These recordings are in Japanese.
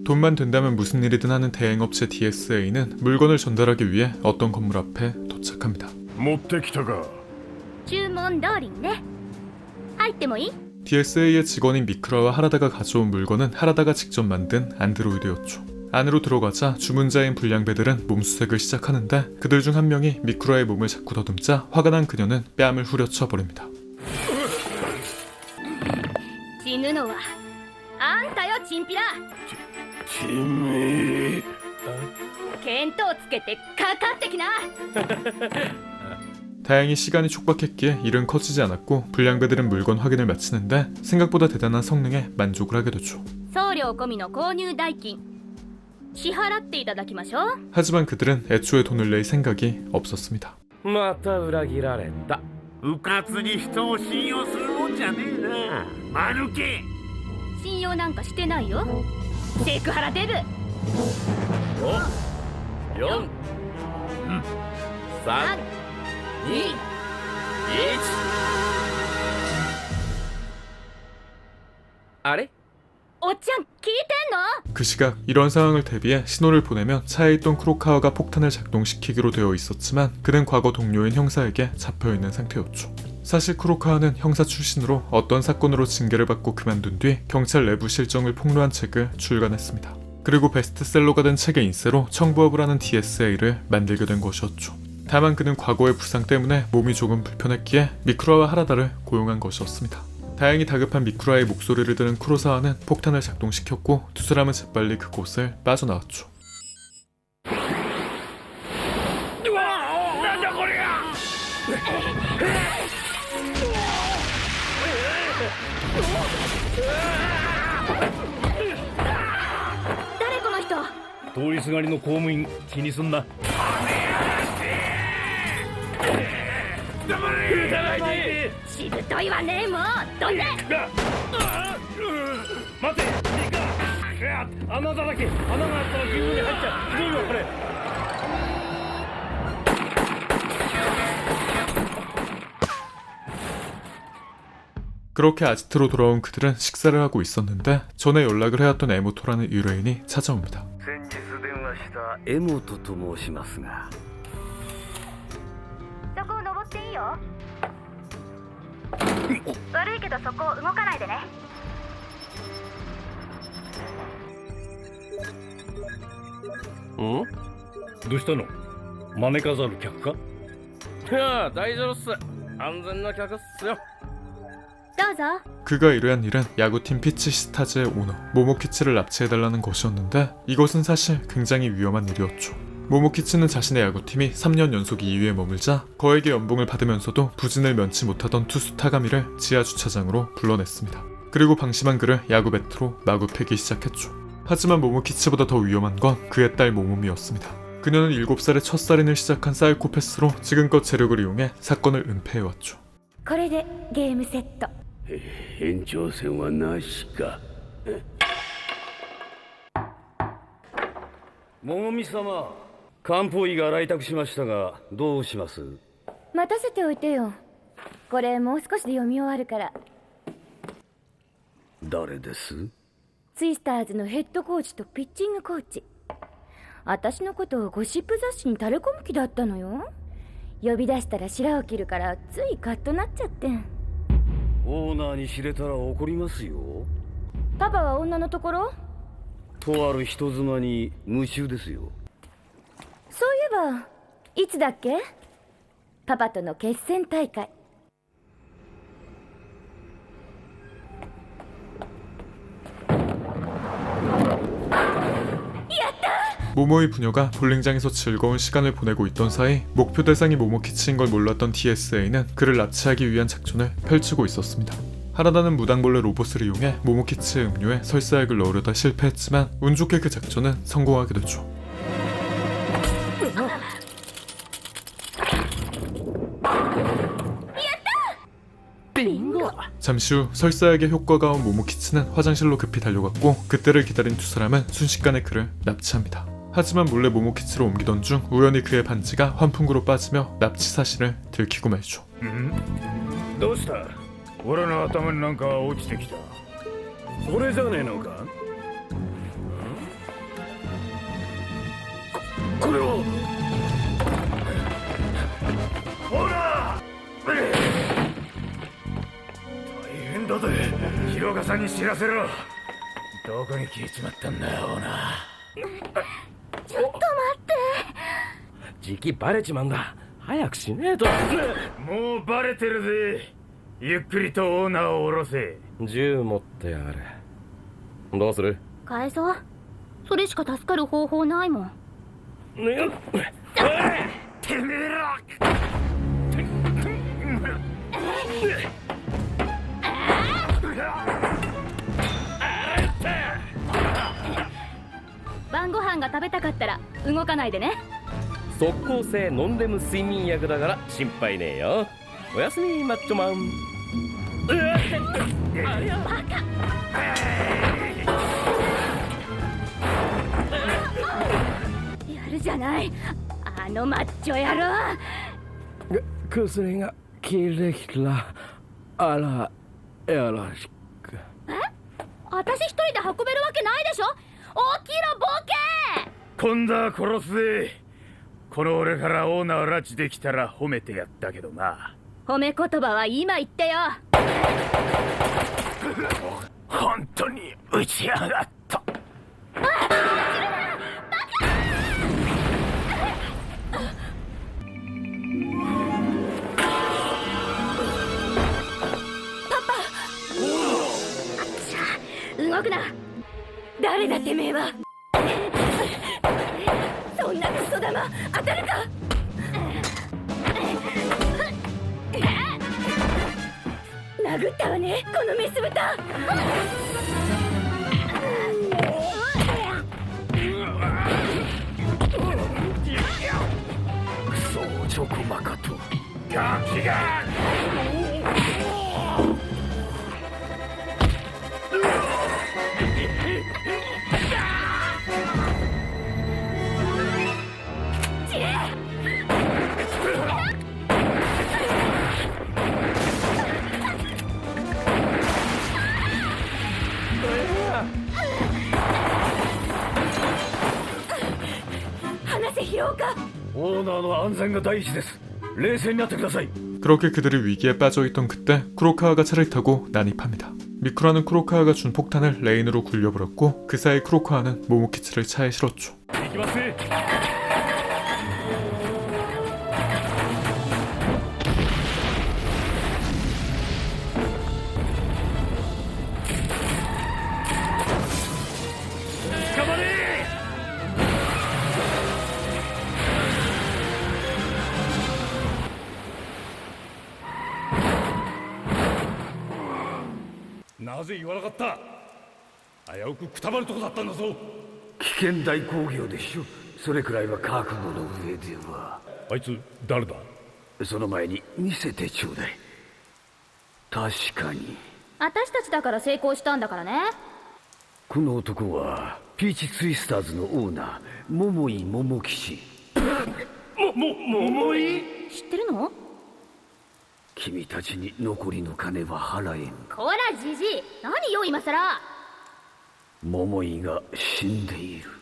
돈만 된다면 무슨 일이든 하는 대행업체 DSA는 물건을 전달하기 위해 어떤 건물 앞에 도착합니다. 持ってきたか。 注文通りにね。入ってもいい？ DSA의 직원인 미크라와 하라다가 가져온 물건은 하라다가 직접 만든 안드로이드였죠. 안으로 들어가자 주문자인 불량배들은 몸수색을 시작하는데 그들 중 한 명이 미크라의 몸을 자꾸 더듬자 화가 난 그녀는 뺨을 후려쳐 버립니다. 死ぬのはあんたよ、チンピラ。 君。 見当つけてかかってきな。 다행히 시간이 촉박했기에 일은 커지지 않았고 불량배들은 물건 확인을 마치는데 생각보다 대단한 성능에 만족을 하게 되죠. 送料込みの購入代金支払っていただきましょう。 하지만 그들은 애초에 돈을 낼 생각이 없었습니다. また裏切られた。 うかつに人を信用するもんじゃねえな。間抜け。 信用なんかしてないよ、セクハラデブ。 4、3、2、1。あれ？ おっちゃん聞いてんの？ 그 시각 이런 상황을 대비해 신호를 보내면 차에 있던 크로카와가 폭탄을 작동시키기로 되어 있었지만 그는 과거 동료인 형사에게 잡혀있는 상태였죠. 사실 크로카와는 형사 출신으로 어떤 사건으로 징계를 받고 그만둔 뒤 경찰 내부 실정을 폭로한 책을 출간했습니다. 그리고 베스트셀러가 된 책의 인쇄로 청부업을 하는 DSA를 만들게 된 것이었죠. 다만 그는 과거의 부상 때문에 몸이 조금 불편했기에 미쿠라와 하라다를 고용한 것이었습니다. 다행히 다급한 미쿠라의 목소리를 들은 쿠로사와는 폭탄을 작동시켰고 두 사람은 재빨리 그곳을 빠져나왔죠. 誰この人？ 通りすがりの公務員気にすんな。 しぶといわね。もうどんで。 待て。穴だらけ。穴があったら牛に入っちゃう。ひどいわこれ。 그렇게 아지트로 돌아온 그들은 식사를 하고 있었는데 전에 연락을 해왔던 에모토라는 의뢰인이 찾아옵니다. 先日電話した江本と申しますが。 そこを登っていいよ。悪いけどそこを動かないでね。 どうしたの？招かざる客か？ いや大丈夫っす。安全な客っすよ。 どうぞ。 그가 의뢰한 일은 야구팀 피치스타즈의 오너 모모키치를 납치해달라는 것이었는데 이것은 사실 굉장히 위험한 일이었죠. 모모키치는 자신의 야구팀이 3년 연속 2위에 머물자 거액의 연봉을 받으면서도 부진을 면치 못하던 투수 타가미를 지하 주차장으로 불러냈습니다. 그리고 방심한 그를 야구 배트로 마구 패기 시작했죠. 하지만 모모키치보다 더 위험한 건 그의 딸 모모미였습니다. 그녀는 7살에 첫 살인을 시작한 사이코패스로 지금껏 재력을 이용해 사건을 은폐해왔죠. これでゲームセット。 延長戦はなしか。 桃美様、漢方医が来宅しましたがどうします？ 待たせておいてよ。これもう少しで読み終わるから。 誰です？ ツイスターズのヘッドコーチとピッチングコーチ。私のことをゴシップ雑誌に垂れ込む気だったのよ。呼び出したら白を切るからついカッとなっちゃって。 オーナーに知れたら怒りますよ。 パパは女のところ？ とある人妻に夢中ですよ。 そういえばいつだっけ？パパとの決戦大会。 모모의 부녀가 볼링장에서 즐거운 시간을 보내고 있던 사이 목표 대상이 모모키치인 걸 몰랐던 DSA는 그를 납치하기 위한 작전을 펼치고 있었습니다. 하라다는 무당벌레 로봇을 이용해 모모키치의 음료에 설사약을 넣으려다 실패했지만 운 좋게 그 작전은 성공하게 되죠. 잠시 후 설사약의 효과가 온 모모키치는 화장실로 급히 달려갔고 그때를 기다린 두 사람은 순식간에 그를 납치합니다. 하지만 몰래 모모키치로 옮기던 중 우연히 그의 반지가 환풍구로 빠지며 납치 사실을 들키고 말죠. どうした？俺の頭になんか落ちてきた。それじゃねえのか？ これをほら大変だぜ。広岡さんに知らせろ。どこに消えちまったんだよオーナー。 ちょっと待ってじきバレちまうんだ。早くしねえと。もうバレてるぜ。ゆっくりとオーナーを下ろせ。 銃持ってやる。どうする？ 返そう。それしか助かる方法ないもん。 ねてめえら。 晩ご飯が食べたかったら動かないでね。 即効性ノンレム睡眠薬だから心配ねえよ。おやすみマッチョマン。 やるじゃない、あのマッチョ野郎。 薬が切れきら。あらよろしく。 私一人で運べるわけないでしょ。起きろボケ。 今度は殺すぜ。この俺からオーナーを拉致できたら褒めてやったけどな。 褒め言葉は今言ってよ。 本当に打ちやがった。 動くな。誰だてめえは。そんなクソ玉当たるか。殴ったわねこのメス豚。 クソチョコマカとガキが。 話せ広岡。 オーナーの安全が第一です。冷静になってください。 그렇게 그들이 위기에 빠져있던 그때 쿠로카와가 차를 타고 난입합니다. 미쿠라는 쿠로카와가 준 폭탄을 레인으로 굴려버렸고 그 사이 쿠로카와는 모모키치를 차에 실었죠. 行きます。捕まれ。なぜ言わなかった。危うくくたばるとこだったんだぞ。危険大工業でしょ。それくらいは覚悟の上では。あいつ誰だ。その前に見せてちょうだい。確かに私たちだから成功したんだからね。 この男はピーチツイスターズのオーナー桃井桃吉。桃井。 知ってるの。 君たちに残りの金は払えん。 こらじじい、何よ今さら。 桃井が死んでいる。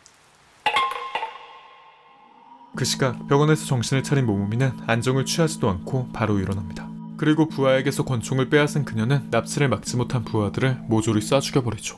그 시각 병원에서 정신을 차린 모모미는 안정을 취하지도 않고 바로 일어납니다. 그리고 부하에게서 권총을 빼앗은 그녀는 납치를 막지 못한 부하들을 모조리 쏴 죽여버리죠.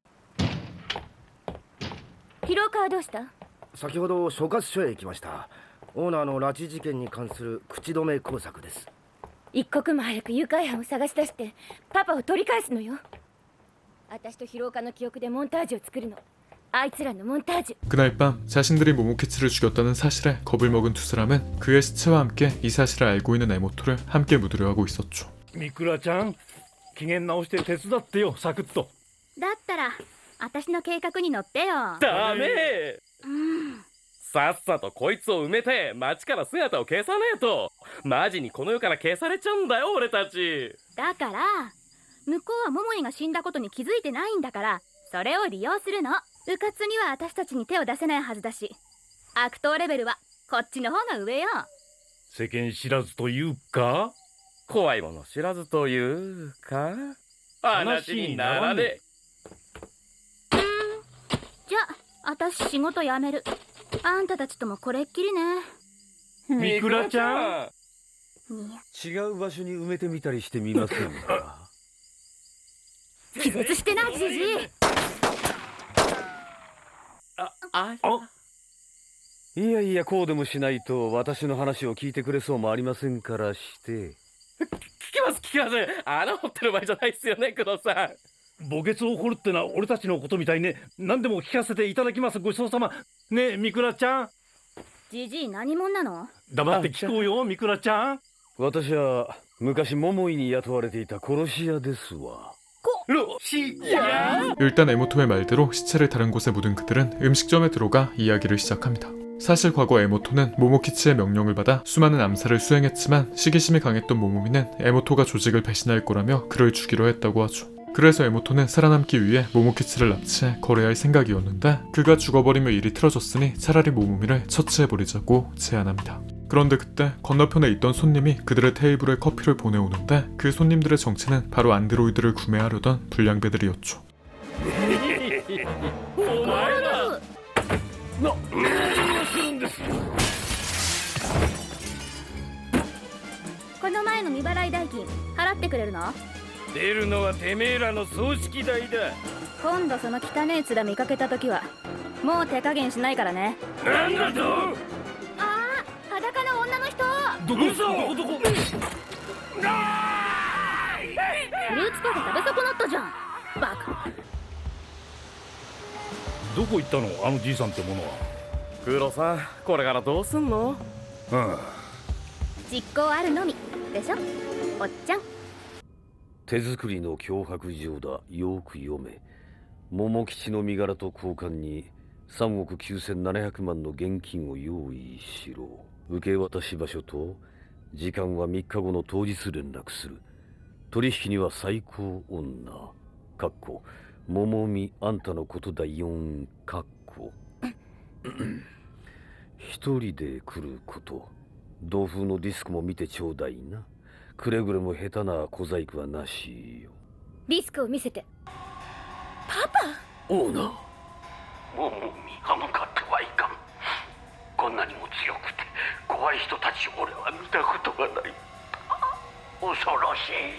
広川はどうした。 先ほど所轄署へ行きました。オーナーの拉致事件に関する口止め工作です。 一刻も早く誘拐犯を探し出してパパを取り返すのよ。私と広岡の記憶でモンタージュを作るの。あいつらのモンタージュ。 그날 밤 자신들이 모모키치를 죽였다는 사실에 겁을 먹은 두 사람은 그의 시체와 함께 이 사실을 알고 있는 에모토를 함께 묻으려 하고 있었죠. ミクラちゃん、機嫌直して手伝ってよ、サクッと。 だったら私の計画に乗ってよ。 ダメ。さっさとこいつを埋めて街から姿を消さねえとマジにこの世から消されちゃうんだよ俺たち。 だから向こうは桃井が死んだことに気づいてないんだから、それを利用するの。迂闊には私たちに手を出せないはずだし、悪党レベルはこっちの方が上よ。 世間知らずというか、 怖いもの知らずというか、話にならねえ。 じゃあ私仕事辞める。 あんたたちともこれっきりね。 ミクラちゃん違う場所に埋めてみたりしてみませんか？ 気絶してなじじい。 いやいや、こうでもしないと私の話を聞いてくれそうもありませんからして。 聞きます穴掘ってる場合じゃないっすよね、工藤さん。 墓穴を掘るってのは俺たちのことみたいね。何でも聞かせていただきます。ごちそうさまねえ、ミクラちゃん。 じじい何者なの？ 黙って聞こうよ、ミクラちゃん。 私は昔桃井に雇われていた殺し屋ですわ。 일단 에모토의 말대로 시체를 다른 곳에 묻은 그들은 음식점에 들어가 이야기를 시작합니다. 사실 과거 에모토는 모모키치의 명령을 받아 수많은 암살을 수행했지만 시기심이 강했던 모모미는 에모토가 조직을 배신할 거라며 그를 죽이려 했다고 하죠. 그래서 에모토는 살아남기 위해 모모키치를 납치해 거래할 생각이었는데 그가 죽어버리며 일이 틀어졌으니 차라리 모모미를 처치해버리자고 제안합니다. 그런데 그때 건너편에 있던 손님이 그들의 테이블에 커피를 보내오는데 그 손님들의 정체는 바로 안드로이드를 구매하려던 불량배들이었죠. この前の未払い代金払ってくれるの？ 出るのはてめえらの葬式代だ。 今度その汚え面見かけた時はもう手加減しないからね。 なんだと？ ああ、裸の女の人。 どこ？どこ？ フルーツパフェ食べ損なったじゃん、バカ。 どこ行ったの、あのじいさんってものは。 工藤さん、これからどうすんの？ 実行あるのみでしょ、おっちゃん。 手作りの脅迫状だ。よく読め。桃吉の身柄と交換に3億9700万の現金を用意しろ。受け渡し場所と時間は3日後の当日連絡する。取引には最高女かっこ桃見あんたのことだ4かっこ一人で来ること。同風のディスクも見てちょうだいな。くれぐれも下手な小細工はなしよ。 リスクを見せて。パパ。 オーナー。 もう歯向かってはいかん。こんなにも強くて怖い人たち俺は見たことがない。恐ろしい。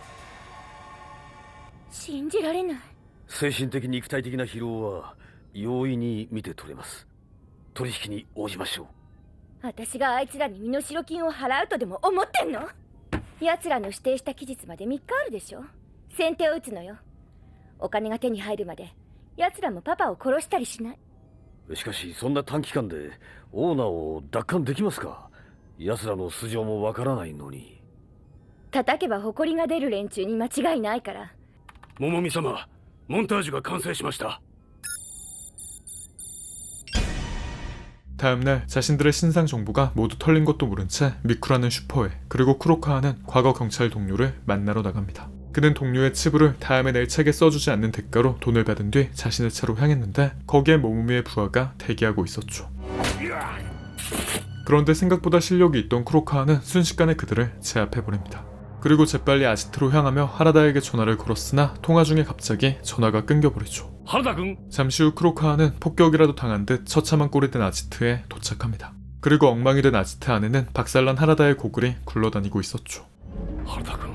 信じられない。 精神的肉体的な疲労は容易に見て取れます。取引に応じましょう。 私があいつらに身代金を払うとでも思ってんの？奴らの指定した期日まで3日あるでしょ。先手を打つのよ。お金が手に入るまで奴らもパパを殺したりしない。 しかしそんな短期間でオーナーを奪還できますか？奴らの素性もわからないのに。 叩けば埃が出る連中に間違いないから。 桃美様、モンタージュが完成しました。 다음날 자신들의 신상 정보가 모두 털린 것도 모른 채 미쿠라는 슈퍼에 그리고 쿠로카와는 과거 경찰 동료를 만나러 나갑니다. 그는 동료의 치부를 다음에 낼 책에 써주지 않는 대가로 돈을 받은 뒤 자신의 차로 향했는데 거기에 모모미의 부하가 대기하고 있었죠. 그런데 생각보다 실력이 있던 쿠로카와는 순식간에 그들을 제압해버립니다. 그리고 재빨리 아지트로 향하며 하라다에게 전화를 걸었으나 통화 중에 갑자기 전화가 끊겨버리죠. 하라다君? 잠시 후 쿠로카와는 폭격이라도 당한 듯 처참한 꼴이 된 아지트에 도착합니다. 그리고 엉망이 된 아지트 안에는 박살난 하라다의 고글이 굴러다니고 있었죠. 하라다君.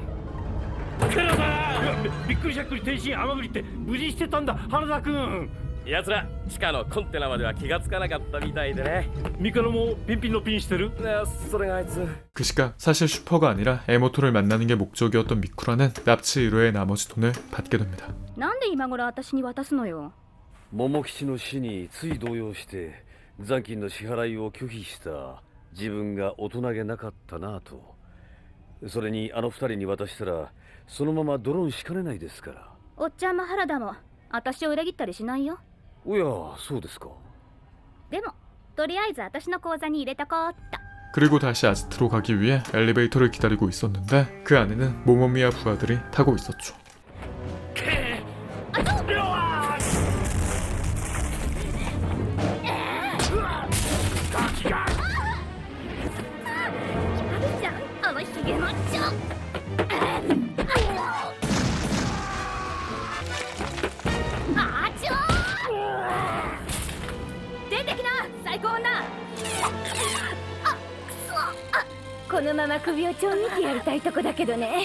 びっくりしゃっくり天津甘栗って無事してたんだ、原田君。 奴ら地下のコンテナまでは気がつかなかったみたいでね。 ミカロもピンピンのピンしてる？ それがあいつ。 그 시각 사실 슈퍼가 아니라 에모토를 만나는 게 목적이었던 미쿠라는 납치 의뢰의 나머지 돈을 받게 됩니다. なんで今頃私に渡すのよ。 桃吉の死につい動揺して残金の支払いを拒否した自分が大人げなかったなぁと。それにあの二人に渡したらそのままドロンしかねないですから。 おっちゃんも原田も私を裏切ったりしないよ。 おや、そうですか。 でもとりあえず私の口座に入れとこうっと。 그리고 다시 아지트로 가기 위해 엘리베이터를 기다리고 있었는데 그 안에는 모모미와 부하들이 타고 있었죠. このまま首をちょん切ってやりたいとこだけどね。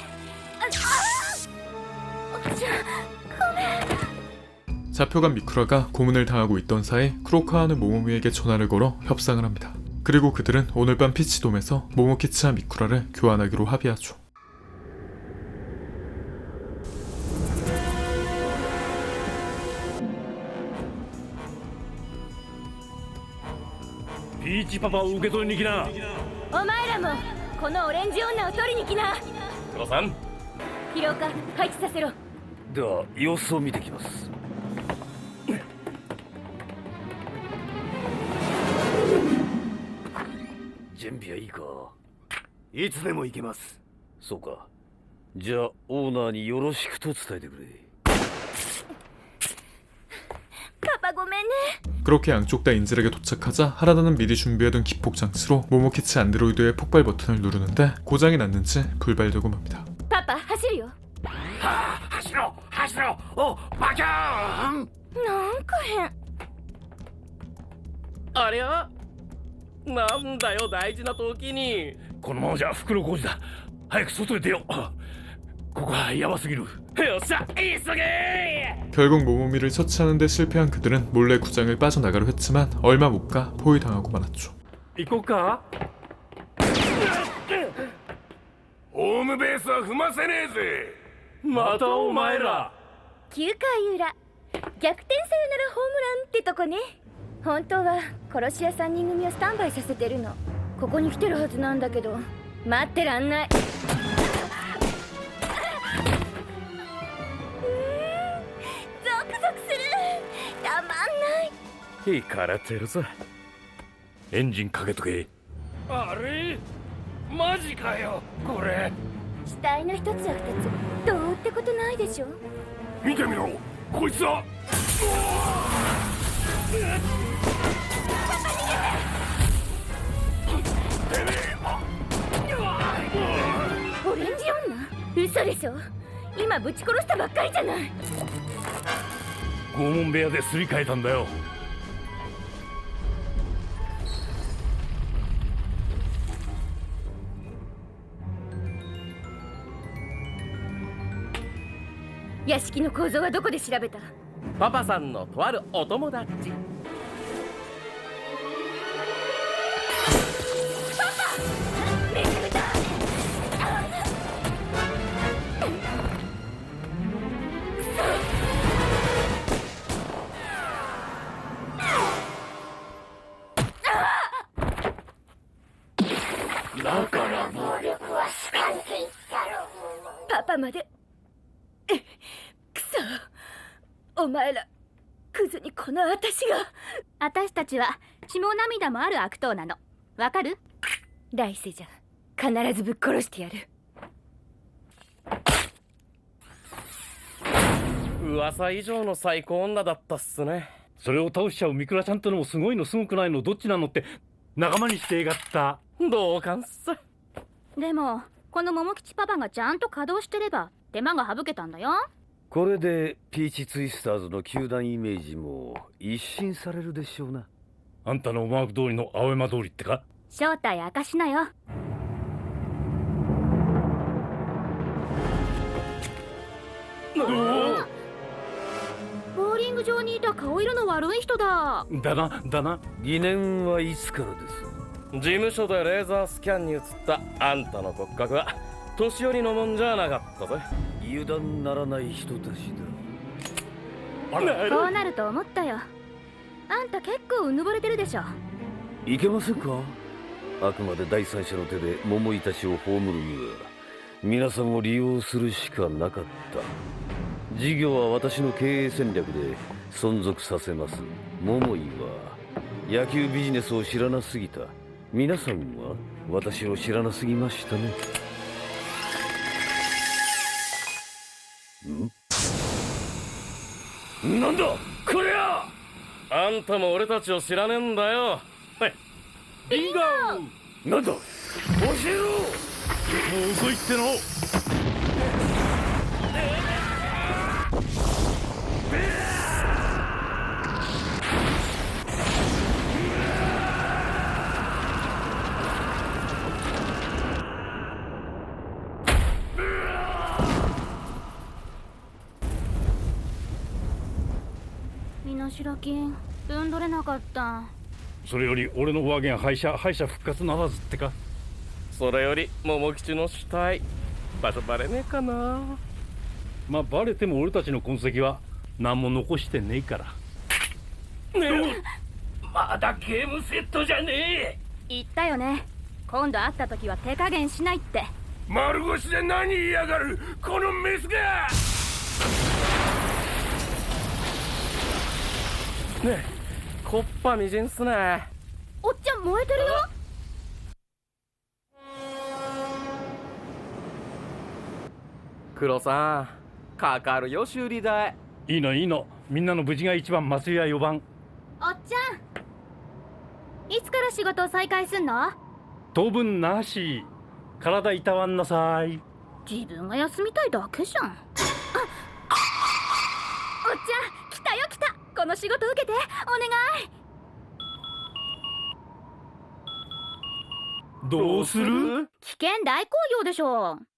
잡혀간 미쿠라가 고문을 당하고 있던 사이 쿠로카와는 모모미에게 전화를 걸어 협상을 합니다. 그리고 그들은 오늘 밤 피치돔에서 모모키치와 미쿠라를 교환하기로 합의하죠. 피치パパを受け取りに来な。 お前らもこのオレンジ女を取りに来な。 黒さん、 疲労か配置させろ。 では様子を見てきます。準備はいいか？いつでも行けます。そうか。じゃあオーナーによろしくと伝えてくれ。 パパごめんね。 그렇게 양쪽 다 인질에게 도착하자 하라다는 미리 준비해둔 기폭 장치로 모모키치 안드로이드의 폭발 버튼을 누르는데 고장이 났는지 불발되고 맙니다. パパ走るよ。 走ろう走ろう。おバキャーン。 なんか変。 ありゃ、なんだよ大事な時に。 このままじゃ袋小路だ。早く外へ出よう。ここはヤバすぎる。 よっしゃ、急げ。 결국 모모미를 처치하는 데 실패한 그들은 몰래 구장을 빠져나가려 했지만 얼마 못 가 포위당하고 말았죠. 行こうか。ホームベースは踏ませねえぜ。またお前ら。 9回裏、逆転サヨナラホームランってとこね。本当は殺し屋3人組をスタンバイさせてるの。ここに来てるはずなんだけど、待ってらんない。ゾクゾクする。たまんない。 いかれてるぞ。 エンジンかけとけ。あれマジかよこれ。 死体の一つや二つどうってことないでしょ。 見てみろこいつは。 オレンジ女？嘘でしょ。今ぶち殺したばっかりじゃない。 拷問部屋ですり替えたんだよ。 屋敷の構造はどこで調べた？ パパさんのとあるお友達。 めぐるだ。 だから暴力はスカンクイだろう。 パパまで。くそ、お前らクズにこの私が。 私たちは血も涙もある悪党なの。わかる？ 来世じゃ必ずぶっ殺してやる。 噂以上の最高女だったっすね。 それを倒しちゃうミクラちゃんってのもすごいのすごくないのどっちなのって仲間にしてやがった。 同感っす。 でもこの桃吉パパがちゃんと稼働してれば手間が省けたんだよ。 これでピーチツイスターズの球団イメージも一新されるでしょうな。 あんたの思惑通りの青山通りってか。 正体明かしなよ。ボーリング場にいた顔色の悪い人だ。 だな。 疑念はいつからです？ 事務所でレーザースキャンに映ったあんたの骨格は年寄りのもんじゃなかったぜ。 油断ならない人たちだ。 こうなると思ったよ。あんた結構うぬぼれてるでしょ。 いけませんか？あくまで第三者の手で桃井たちを葬るには皆さんを利用するしかなかった。事業は私の経営戦略で存続させます。桃井は野球ビジネスを知らなすぎた。皆さんは私を知らなすぎましたね。 なんだこれは。 あんたも俺たちを知らねえんだよ。はい、 リンゴ。なんだ教えろ。もう遅いっての。 代金分取れなかった。 それより俺の上限敗者復活ならずってか。 それより桃吉の死体場所バレねえかな。 まあバレても俺たちの痕跡は何も残してねえから。 まだゲームセットじゃねえ。 言ったよね、今度会った時は手加減しないって。 丸腰で何言いやがるこのメスが。 ねえ、コッパみじんっすね。 おっちゃん燃えてるよ。 黒さんかかるよ修理代。 いいのいいの、みんなの無事が一番、松井は4番。 おっちゃん、いつから仕事再開すんの？ 当分なし。体いたわんなさい。 自分が休みたいだけじゃん。おっちゃん来たよ来た。この仕事受けてお願い。 どうする？ 危険大好評でしょ。